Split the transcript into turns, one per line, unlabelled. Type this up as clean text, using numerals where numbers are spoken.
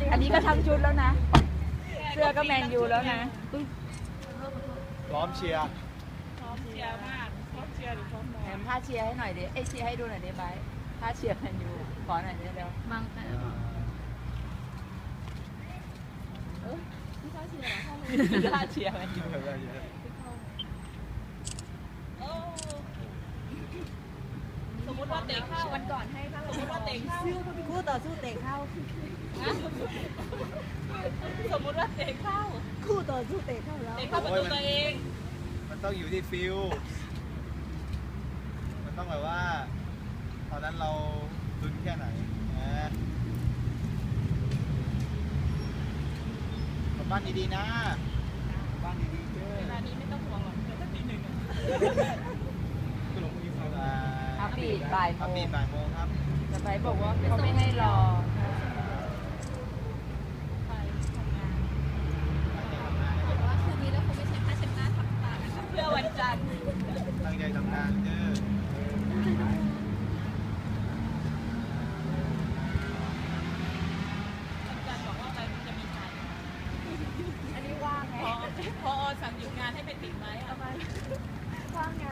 อันนี้ก็ทั้งชุดแล้วนะ เสื้อก็แมนยูแล้วนะ
พร้อมเชียร์
พร้อมเชียร์มากพร้อมเชียร์หรือพร้อมนอ
แถ
น
มผ้าเชียร์ให้หน่อยดิเชียร์ให้ดูหน่อยดิไบร์ทผ้าเชียร์แมนยูขอหน่อยดิเร็ว
บางแต่
ผ้าเชียร์แมนยู
สมมติว่าเตะเข้าวันก่อนให้สมมติว่าเตะเข้า
คู่ต่อสู้เตะเข้า
สมมติว่าเตะเข้า
คู่ต่อสู้เตะเข้าแล้ว
เตะเข้าประตูตัวเอง
มันต้องอยู่ที่ฟิลมันต้องแบบว่าตอนนั้นเราลุ้นแค่ไหนนะกลับบ้านดีๆนะบ้านดีๆเจ้
เวลานี้ไม่ต้องห่วงหรอกเดี๋ยวสักทีหนึ่ง
อาปีดบ่ายโม
อาปี
ง
บ่ายโมงครับ
แต่ไบร์ทบอกว่าเขาไม่ให้รอ
ไปทำงาน
ว่าคืนนี้แล้วคงไม่ใช่ผ้าเช็ดหน้าทับตานะคะ
เพื่อวันจันทร์
ตั้งใจทำงานเด้อ
วันจันทร์บอกว่าไปมันจะมีงาน
อันนี้ว่างไง
พอสั่งหยุดงานให้ไปติดไหมเอาไป
ว่างไง